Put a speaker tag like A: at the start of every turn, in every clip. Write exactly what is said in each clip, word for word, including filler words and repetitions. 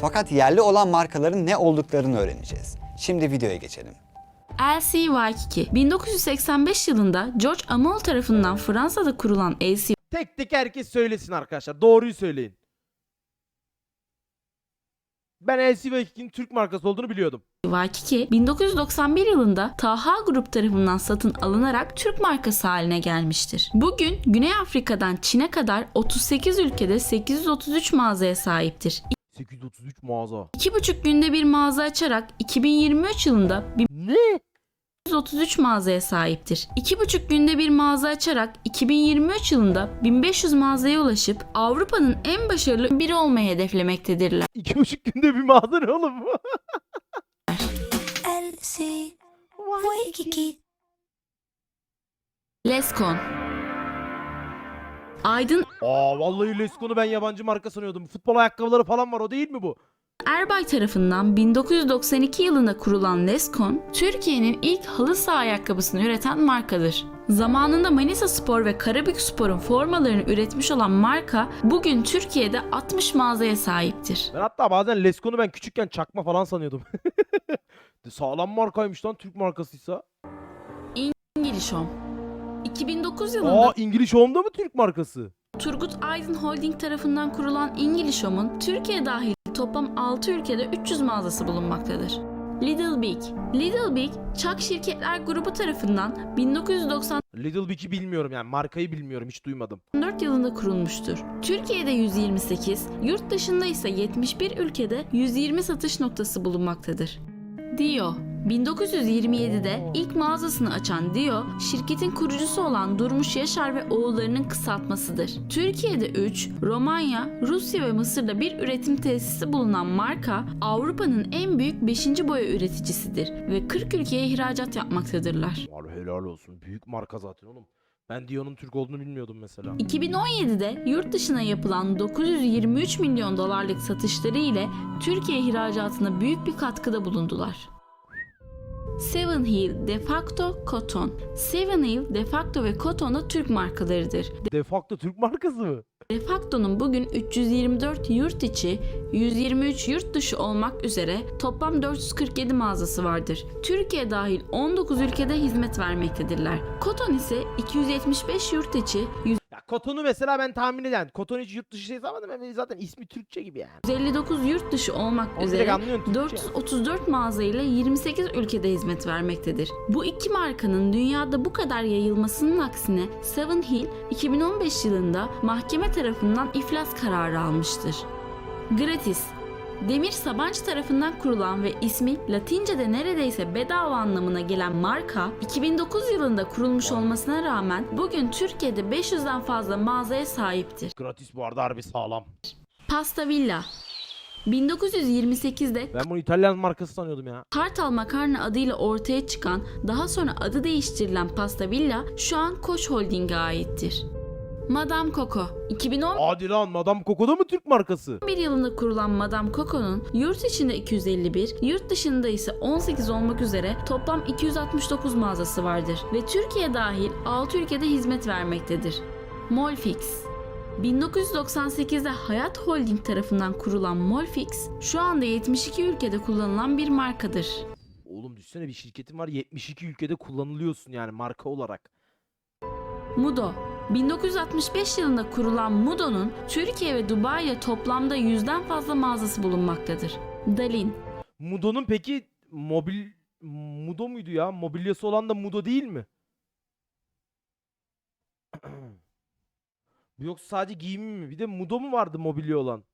A: Fakat yerli olan markaların ne olduklarını öğreneceğiz. Şimdi videoya geçelim.
B: L C Waikiki bin dokuz yüz seksen beş yılında George Amol tarafından Fransa'da kurulan L C
C: Tek tek herkes söylesin arkadaşlar. Doğruyu söyleyin. Ben L C Waikiki'nin Türk markası olduğunu biliyordum.
B: Waikiki bin dokuz yüz doksan bir yılında Taha Grup tarafından satın alınarak Türk markası haline gelmiştir. Bugün Güney Afrika'dan Çin'e kadar otuz sekiz ülkede sekiz yüz otuz üç mağazaya sahiptir.
C: sekiz yüz otuz üç mağaza.
B: iki buçuk günde bir mağaza açarak iki bin yirmi üç yılında
C: Ne?
B: bin yüz otuz üç mağazaya sahiptir. iki buçuk günde bir mağaza açarak iki bin yirmi üç yılında bin beş yüz mağazaya ulaşıp Avrupa'nın en başarılı biri olmayı hedeflemektedirler.
C: İki buçuk günde bir mağaza ne oğlum bu?
D: L C Waikiki.
B: Leskon Aydın
C: Aa vallahi Lescon'u ben yabancı marka sanıyordum. Futbol ayakkabıları falan var, o değil mi bu?
B: Erbay tarafından bin dokuz yüz doksan iki yılında kurulan Leskon, Türkiye'nin ilk halı saha ayakkabısını üreten markadır. Zamanında Manisa Spor ve Karabük Spor'un formalarını üretmiş olan marka, bugün Türkiye'de altmış mağazaya sahiptir.
C: Ben hatta bazen Lescon'u ben küçükken çakma falan sanıyordum. Sağlam markaymış lan, Türk markasıysa.
B: İngiliz Home iki bin dokuz yılında
C: Aa, İngiliz Home'da mı Türk markası?
B: Turgut Aydın Holding tarafından kurulan İngiliz Home'un Türkiye dahil toplam altı ülkede üç yüz mağazası bulunmaktadır. Lidl Big Lidl Big, Çak Şirketler Grubu tarafından bin dokuz yüz doksan
C: Lidl Big'i bilmiyorum yani, markayı bilmiyorum, hiç duymadım.
B: dört yılında kurulmuştur. Türkiye'de yüz yirmi sekiz, yurt dışında ise yetmiş bir ülkede yüz yirmi satış noktası bulunmaktadır. Dio bin dokuz yüz yirmi yedide ilk mağazasını açan Dio, şirketin kurucusu olan Durmuş Yaşar ve oğullarının kısaltmasıdır. Türkiye'de üç, Romanya, Rusya ve Mısır'da bir üretim tesisi bulunan marka, Avrupa'nın en büyük beşinci boya üreticisidir ve kırk ülkeye ihracat yapmaktadırlar.
C: Var helal olsun, büyük marka zaten oğlum. Ben Dio'nun Türk olduğunu bilmiyordum mesela.
B: iki bin on yedide yurt dışına yapılan dokuz yüz yirmi üç milyon dolarlık satışları ile Türkiye ihracatına büyük bir katkıda bulundular. Seven Hill, Defacto, Cotton. Seven Hill, Defacto ve Cotton da Türk markalarıdır.
C: Defacto Türk markası mı?
B: Defacto'nun bugün üç yüz yirmi dört yurt içi, yüz yirmi üç yurt dışı olmak üzere toplam dört yüz kırk yedi mağazası vardır. Türkiye dahil on dokuz ülkede hizmet vermektedirler. Cotton ise iki yüz yetmiş beş yurt içi,
C: Ya Koton'u mesela ben tahmin eden. Koton hiç yurt dışı şey sanmadım. Ben zaten ismi Türkçe gibi yani.
B: yüz elli dokuz yurt dışı olmak
C: Onu direkt
B: üzere
C: anlıyorsun Türkçe.
B: dört yüz otuz dört mağaza ile yirmi sekiz ülkede hizmet vermektedir. Bu iki markanın dünyada bu kadar yayılmasının aksine Seven Hill iki bin on beş yılında mahkeme tarafından iflas kararı almıştır. Gratis Demir Sabancı tarafından kurulan ve ismi Latince'de neredeyse bedava anlamına gelen marka, iki bin dokuz yılında kurulmuş olmasına rağmen bugün Türkiye'de beş yüzden fazla mağazaya sahiptir.
C: Gratis bu arada, harbi sağlam.
B: Pasta Villa bin dokuz yüz yirmi sekizde
C: Ben bunu İtalyan markası sanıyordum ya.
B: Kartal Makarna adıyla ortaya çıkan, daha sonra adı değiştirilen Pasta Villa şu an Koç Holding'e aittir. Madame Coco iki bin on
C: Hadi lan, Madame Coco'da mı Türk markası?
B: bir yılında kurulan Madame Coco'nun yurt içinde iki yüz elli bir, yurt dışında ise on sekiz olmak üzere toplam iki yüz altmış dokuz mağazası vardır ve Türkiye dahil altı ülkede hizmet vermektedir. Molfix bin dokuz yüz doksan sekizde Hayat Holding tarafından kurulan Molfix, şu anda yetmiş iki ülkede kullanılan bir markadır.
C: Oğlum düşünsene, bir şirketin var, yetmiş iki ülkede kullanılıyorsun yani marka olarak.
B: Mudo bin dokuz yüz altmış beş yılında kurulan Mudo'nun Türkiye ve Dubai'de toplamda yüzden fazla mağazası bulunmaktadır. Dalin
C: Mudo'nun peki mobil... Mudo muydu ya? Mobilyası olan da Mudo değil mi? Bu yoksa sadece giyimi mi? Bir de Mudo mu vardı mobilya olan?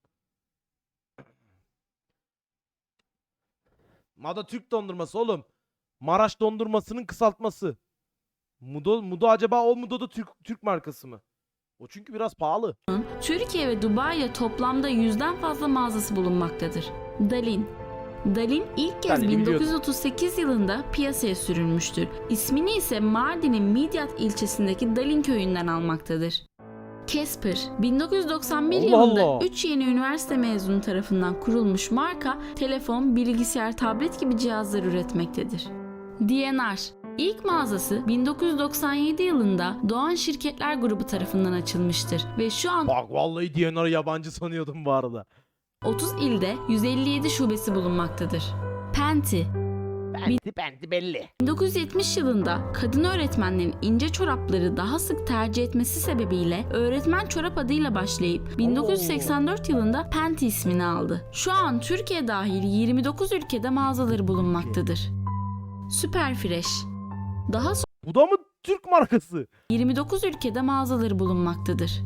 C: Mada Türk dondurması oğlum. Maraş dondurmasının kısaltması. Mudo, Mudo acaba o Mudo da Türk, Türk markası mı? O çünkü biraz pahalı.
B: Türkiye ve Dubai'de toplamda yüzden fazla mağazası bulunmaktadır. Dalin Dalin ilk kez
C: Dalin'i
B: bin dokuz yüz otuz sekiz yılında piyasaya sürülmüştür. İsmini ise Mardin'in Midyat ilçesindeki Dalin köyünden almaktadır. Casper bin dokuz yüz doksan bir
C: Allah
B: yılında
C: Allah.
B: üç yeni üniversite mezunu tarafından kurulmuş marka, telefon, bilgisayar, tablet gibi cihazlar üretmektedir. D N R İlk mağazası bin dokuz yüz doksan yedi yılında Doğan Şirketler Grubu tarafından açılmıştır ve şu an
C: Bak vallahi D N R'ı yabancı sanıyordum bu arada.
B: otuz ilde yüz elli yedi şubesi bulunmaktadır. Penti
C: Benti benti belli.
B: bin dokuz yüz yetmiş yılında kadın öğretmenlerin ince çorapları daha sık tercih etmesi sebebiyle öğretmen çorap adıyla başlayıp bin dokuz yüz seksen dört yılında Penti ismini aldı. Şu an Türkiye dahil yirmi dokuz ülkede mağazaları bulunmaktadır. Superfresh daha sonra
C: Bu da mı Türk markası?
B: yirmi dokuz ülkede mağazaları bulunmaktadır.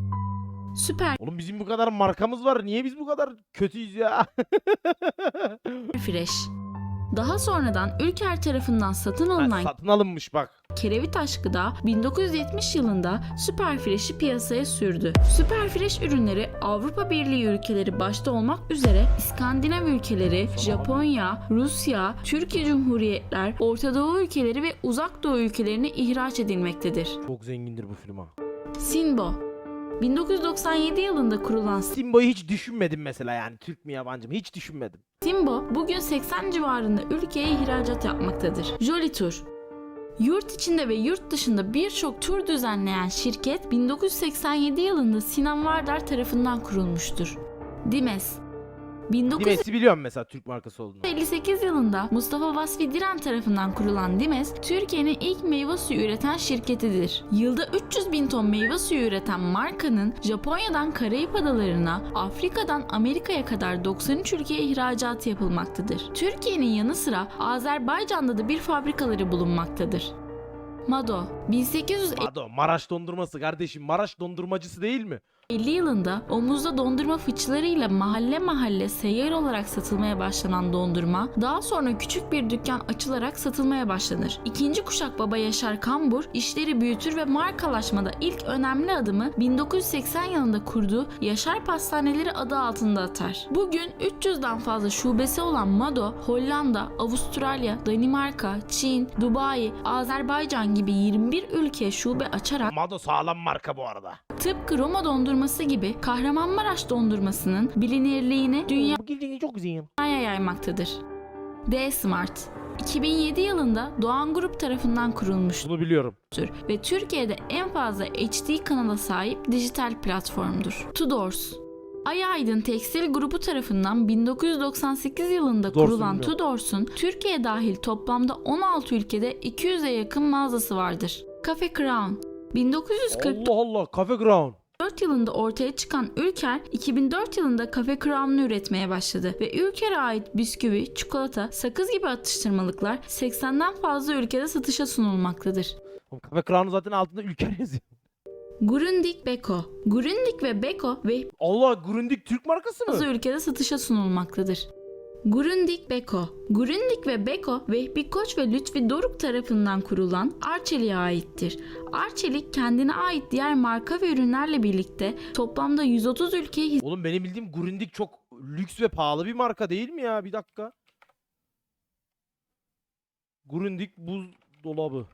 C: Oğlum bizim bu kadar markamız var. Niye biz bu kadar kötüyüz ya?
B: Superfresh daha sonradan Ülker tarafından satın
C: Ha,
B: alınan
C: satın alınmış bak.
B: Kerevitaş Gıda bin dokuz yüz yetmiş yılında Superfresh'i piyasaya sürdü. Superfresh ürünleri Avrupa Birliği ülkeleri başta olmak üzere İskandinav ülkeleri, Japonya, Rusya, Türkiye Cumhuriyetler, Orta Doğu ülkeleri ve Uzak Doğu ülkelerine ihraç edilmektedir.
C: Çok zengindir bu film ha.
B: Sinbo bin dokuz yüz doksan yedi yılında kurulan
C: Simbo'yu hiç düşünmedim mesela yani. Türk mü yabancı mı hiç düşünmedim.
B: Sinbo bugün seksen civarında ülkeye ihracat yapmaktadır. Jolly Tour yurt içinde ve yurt dışında birçok tur düzenleyen şirket bin dokuz yüz seksen yedi yılında Sinan Vardar tarafından kurulmuştur. Dimes bin dokuz yüz
C: Dimes'i biliyorum mesela Türk markası olduğunu.
B: elli sekiz yılında Mustafa Vasfi Diren tarafından kurulan Dimes, Türkiye'nin ilk meyve suyu üreten şirketidir. Yılda üç yüz bin ton meyve suyu üreten markanın Japonya'dan Karayip Adalarına, Afrika'dan Amerika'ya kadar doksan üç ülkeye ihracatı yapılmaktadır. Türkiye'nin yanı sıra Azerbaycan'da da bir fabrikaları bulunmaktadır. Mado bin sekiz yüz
C: Mado, Maraş dondurması kardeşim. Maraş dondurmacısı değil mi?
B: elli yılında omuzda dondurma fıçılarıyla mahalle mahalle seyyar olarak satılmaya başlanan dondurma, daha sonra küçük bir dükkan açılarak satılmaya başlanır. İkinci kuşak baba Yaşar Kambur işleri büyütür ve markalaşmada ilk önemli adımı bin dokuz yüz seksen yılında kurduğu Yaşar Pastaneleri adı altında atar. Bugün üç yüzden fazla şubesi olan Mado, Hollanda, Avustralya, Danimarka, Çin, Dubai, Azerbaycan gibi yirmi bir ülkeye şube açarak
C: Mado sağlam marka bu arada.
B: tıpkı Roma dondurması gibi Kahramanmaraş dondurmasının bilinirliğini dünyaya
C: Bu gildiğini çok güzel.
B: yaymaktadır. D-Smart iki bin yedi yılında Doğan Grup tarafından kurulmuştur
C: Bunu biliyorum.
B: ve Türkiye'de en fazla H D kanala sahip dijital platformdur. Tudors Ay Aydın Tekstil Grubu tarafından bin dokuz yüz doksan sekiz yılında
C: Tudors'u
B: kurulan
C: bilmiyorum.
B: Tudors'un Türkiye dahil toplamda on altı ülkede iki yüze yakın mağazası vardır. Cafe Crown bin dokuz yüz kırk
C: Allah Allah. Cafe Crown.
B: dört yılında ortaya çıkan Ülker, iki bin dört yılında Cafe Crown'u üretmeye başladı ve Ülker'e ait bisküvi, çikolata, sakız gibi atıştırmalıklar seksenden fazla ülkede satışa sunulmaktadır.
C: Oğlum, Cafe Crown'un zaten altında Ülker yazıyor.
B: Grundig Beko Grundig ve Beko ve
C: Allah, Grundig Türk markası mı?
B: fazla ülkede satışa sunulmaktadır. Grundig Beko Grundig ve Beko, Vehbi Koç ve Lütfi Doruk tarafından kurulan Arçelik'e aittir. Arçelik kendine ait diğer marka ve ürünlerle birlikte toplamda yüz otuz ülkeye
C: Oğlum benim bildiğim Grundig çok lüks ve pahalı bir marka değil mi ya? Bir dakika. Grundig buzdolabı.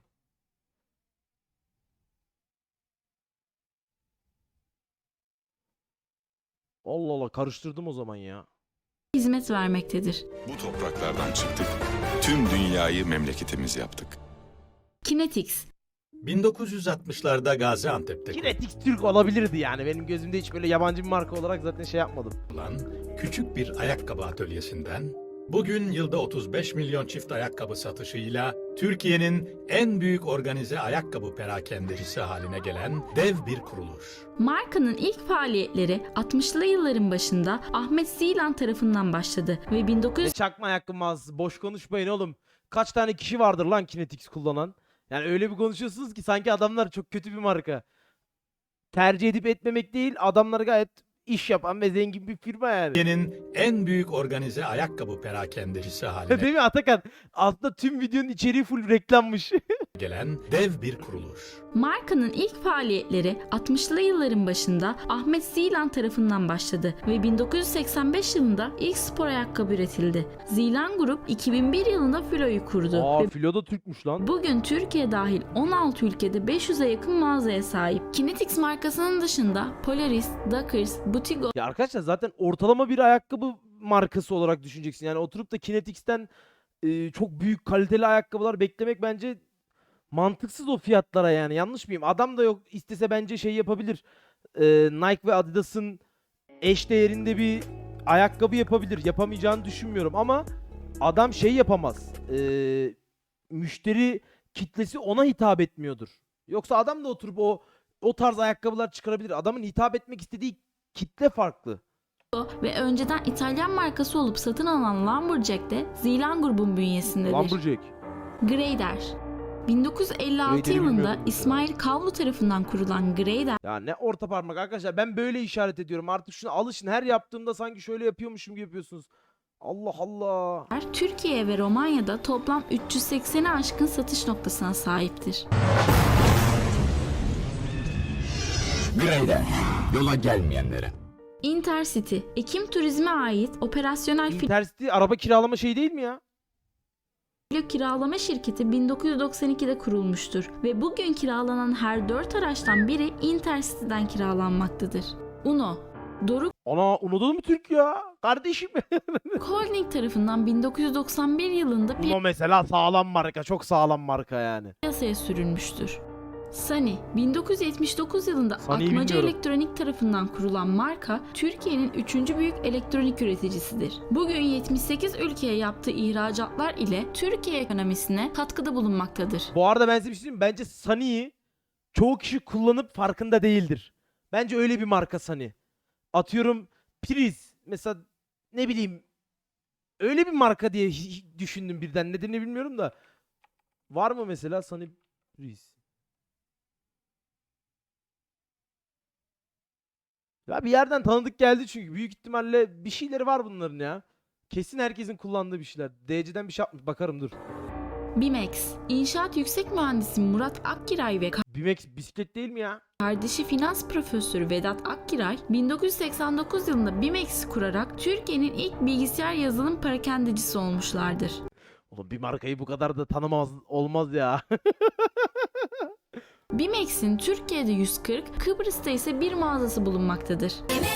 C: Allah Allah, karıştırdım o zaman ya.
B: hizmet vermektedir.
E: Bu topraklardan çıktık, tüm dünyayı memleketimiz yaptık.
B: Kinetics
F: bin dokuz yüz altmışlarda Gaziantep'te
C: Kinetix Türk olabilirdi yani. Benim gözümde hiç böyle yabancı bir marka olarak zaten şey yapmadım.
F: kurulan küçük bir ayakkabı atölyesinden bugün yılda otuz beş milyon çift ayakkabı satışıyla Türkiye'nin en büyük organize ayakkabı perakendecisi haline gelen dev bir kuruluş.
B: markanın ilk faaliyetleri altmışlı yılların başında Ahmet Zilan tarafından başladı ve bin dokuz
C: Ne
B: yüz
C: çakma ayakkabı mağazası. Boş konuşmayın oğlum. Kaç tane kişi vardır lan Kinetix kullanan? Yani öyle bir konuşuyorsunuz ki sanki adamlar çok kötü bir marka. Tercih edip etmemek değil, adamlar gayet iş yapan ve zengin bir firma yani.
F: Türkiye'nin en büyük organize ayakkabı perakendecisi haline
C: Değil mi Atakan? Altta tüm videonun içeriği full reklammış.
F: gelen dev bir kuruluş.
B: markanın ilk faaliyetleri altmışlı yılların başında Ahmet Zilan tarafından başladı ve bin dokuz yüz seksen beş yılında ilk spor ayakkabı üretildi. Zilan Grup iki bin bir yılında Filo'yu kurdu
C: Aa,
B: ve
C: Filo da Türkmüş lan.
B: bugün Türkiye dahil on altı ülkede beş yüze yakın mağazaya sahip. Kinetics markasının dışında Polaris, Dockers, Butigo
C: Ya arkadaşlar zaten ortalama bir ayakkabı markası olarak düşüneceksin. Yani oturup da Kinetix'ten e, çok büyük kaliteli ayakkabılar beklemek bence mantıksız o fiyatlara yani. Yanlış mıyım? Adam da yok istese bence şey yapabilir. E, Nike ve Adidas'ın eş değerinde bir ayakkabı yapabilir. Yapamayacağını düşünmüyorum ama adam şey yapamaz. Ee, müşteri kitlesi ona hitap etmiyordur. Yoksa adam da oturup o o tarz ayakkabılar çıkarabilir. Adamın hitap etmek istediği kitle farklı.
B: ve önceden İtalyan markası olup satın alınan Lumberjack de Zeeland grubun bünyesindedir.
C: Lumberjack.
B: Graider. bin dokuz yüz elli altı
C: Grader'i
B: yılında
C: bilmiyordum mesela.
B: İsmail Kavlu tarafından kurulan Graider,
C: Ya ne orta parmak arkadaşlar, ben böyle işaret ediyorum. Artık şuna alışın. Her yaptığımda sanki şöyle yapıyormuşum gibi yapıyorsunuz. Allah Allah.
B: Türkiye ve Romanya'da toplam üç yüz sekseni aşkın satış noktasına sahiptir.
G: Greyder, yola gelmeyenlere.
B: Intercity, Ekim Turizm'e ait operasyonel
C: Intercity araba kiralama şey değil mi ya?
B: filo kiralama şirketi bin dokuz yüz doksan ikide kurulmuştur ve bugün kiralanan her dört araçtan biri Intercity'den kiralanmaktadır. Uno, Doruk
C: Ana Uno'da mı Türk ya? Kardeşim.
B: Holding tarafından bin dokuz yüz doksan bir yılında
C: Uno mesela sağlam marka. Çok sağlam marka yani.
B: piyasaya sürülmüştür. Sony, bin dokuz yüz yetmiş dokuz yılında
C: Sony'yi
B: Atmaca
C: bilmiyorum.
B: Elektronik tarafından kurulan marka, Türkiye'nin üçüncü büyük elektronik üreticisidir. Bugün yetmiş sekiz ülkeye yaptığı ihracatlar ile Türkiye ekonomisine katkıda bulunmaktadır.
C: Bu arada ben size bir şey diyeyim mi? Bence Sony'yi çoğu kişi kullanıp farkında değildir. Bence öyle bir marka Sony. Atıyorum priz. Mesela ne bileyim öyle bir marka diye hi- düşündüm birden. Nedenini bilmiyorum da. Var mı mesela Sony priz? Ya bir yerden tanıdık geldi çünkü. Büyük ihtimalle bir şeyleri var bunların ya. Kesin herkesin kullandığı bir şeyler. D C'den bir şey yapmış. Bakarım dur.
B: Bimex, İnşaat Yüksek Mühendisi Murat Akkiray ve
C: Bimex bisiklet değil mi ya?
B: kardeşi finans profesörü Vedat Akkiray, bin dokuz yüz seksen dokuz yılında Bimex'i kurarak Türkiye'nin ilk bilgisayar yazılım parakendecisi olmuşlardır.
C: Oğlum bir markayı bu kadar da tanımaz olmaz ya.
B: Bimex'in Türkiye'de yüz kırk, Kıbrıs'ta ise bir mağazası bulunmaktadır.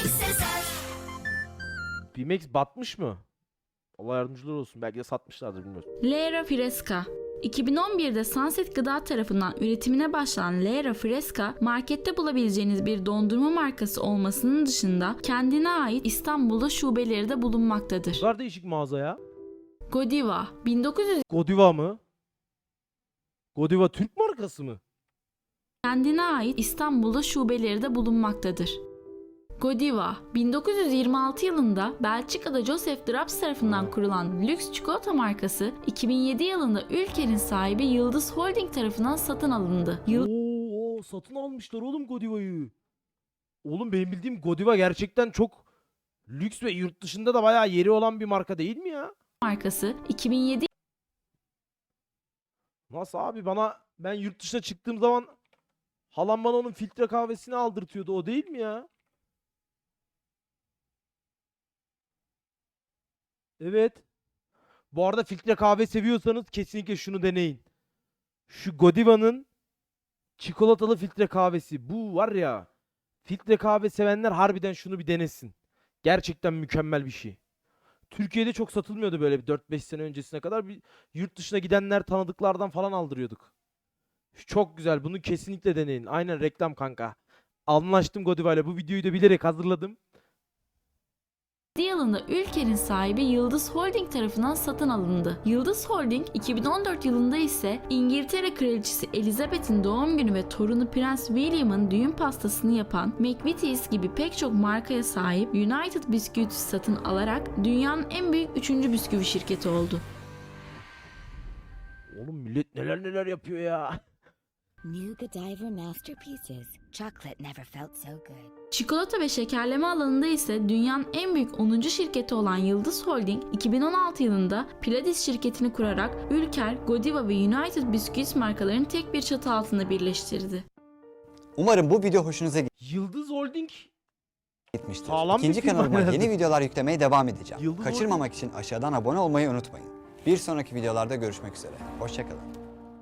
C: Bimex batmış mı? Allah yardımcılar olsun. Belki de satmışlardır bilmiyorum.
B: Lera Fresca. iki bin on birde Sunset Gıda tarafından üretimine başlanan Lera Fresca, markette bulabileceğiniz bir dondurma markası olmasının dışında kendine ait İstanbul'da şubeleri de bulunmaktadır.
C: Ne kadar değişik mağaza ya.
B: Godiva, bin dokuz yüz
C: Godiva mı? Godiva Türk markası mı?
B: kendine ait İstanbul'da şubeleri de bulunmaktadır. Godiva, bin dokuz yüz yirmi altı yılında Belçika'da Joseph Draps tarafından kurulan lüks çikolata markası, iki bin yedi yılında ülkenin sahibi Yıldız Holding tarafından satın alındı. Yıldız
C: Oo, satın almışlar oğlum Godiva'yı. Oğlum benim bildiğim Godiva gerçekten çok lüks ve yurt dışında da bayağı yeri olan bir marka değil mi ya?
B: markası iki bin yedi
C: Nasıl abi, bana ben yurt dışına çıktığım zaman halam bana onun filtre kahvesini aldırtıyordu, o değil mi ya? Evet. Bu arada filtre kahve seviyorsanız kesinlikle şunu deneyin. Şu Godiva'nın çikolatalı filtre kahvesi. Bu var ya, filtre kahve sevenler harbiden şunu bir denesin. Gerçekten mükemmel bir şey. Türkiye'de çok satılmıyordu böyle bir dört beş sene öncesine kadar. Bir yurt dışına gidenler tanıdıklardan falan aldırıyorduk. Çok güzel. Bunu kesinlikle deneyin. Aynen reklam kanka. Anlaştım Godiva ile. Bu videoyu da bilerek hazırladım.
B: yılında ülkenin sahibi Yıldız Holding tarafından satın alındı. Yıldız Holding iki bin on dört yılında ise İngiltere Kraliçesi Elizabeth'in doğum günü ve torunu Prens William'ın düğün pastasını yapan McVitie's gibi pek çok markaya sahip United Biscuits satın alarak dünyanın en büyük üçüncü bisküvi şirketi oldu.
C: Oğlum millet neler neler yapıyor ya.
D: New Godiva masterpieces. Chocolate never felt so good.
B: Çikolata ve şekerleme alanında ise dünyanın en büyük onuncu şirketi olan Yıldız Holding iki bin on altı yılında Pladis şirketini kurarak Ülker, Godiva ve United Biscuits markalarını tek bir çatı altında birleştirdi.
A: Umarım bu video hoşunuza
C: Yıldız Holding
A: gitmiştir.
C: Sağlam bir
A: İkinci
C: firma
A: kanalıma
C: herhalde.
A: yeni videolar yüklemeye devam edeceğim.
C: Yıldız
A: Kaçırmamak için aşağıdan abone olmayı unutmayın. Bir sonraki videolarda görüşmek üzere. Hoşçakalın.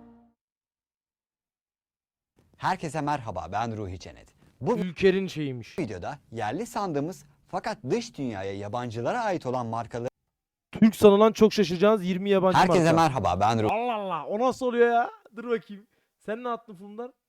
A: Herkese merhaba, ben Ruhi Cennet. Bu
C: Ülker'in şeyiymiş.
A: videoda yerli sandığımız fakat dış dünyaya yabancılara ait olan markaları...
C: Türk sanılan çok şaşıracağınız yirmi yabancı
A: Herkese
C: marka.
A: merhaba, ben Ruhi.
C: Allah Allah, o nasıl oluyor ya? Dur bakayım. Sen ne attın Fulundar?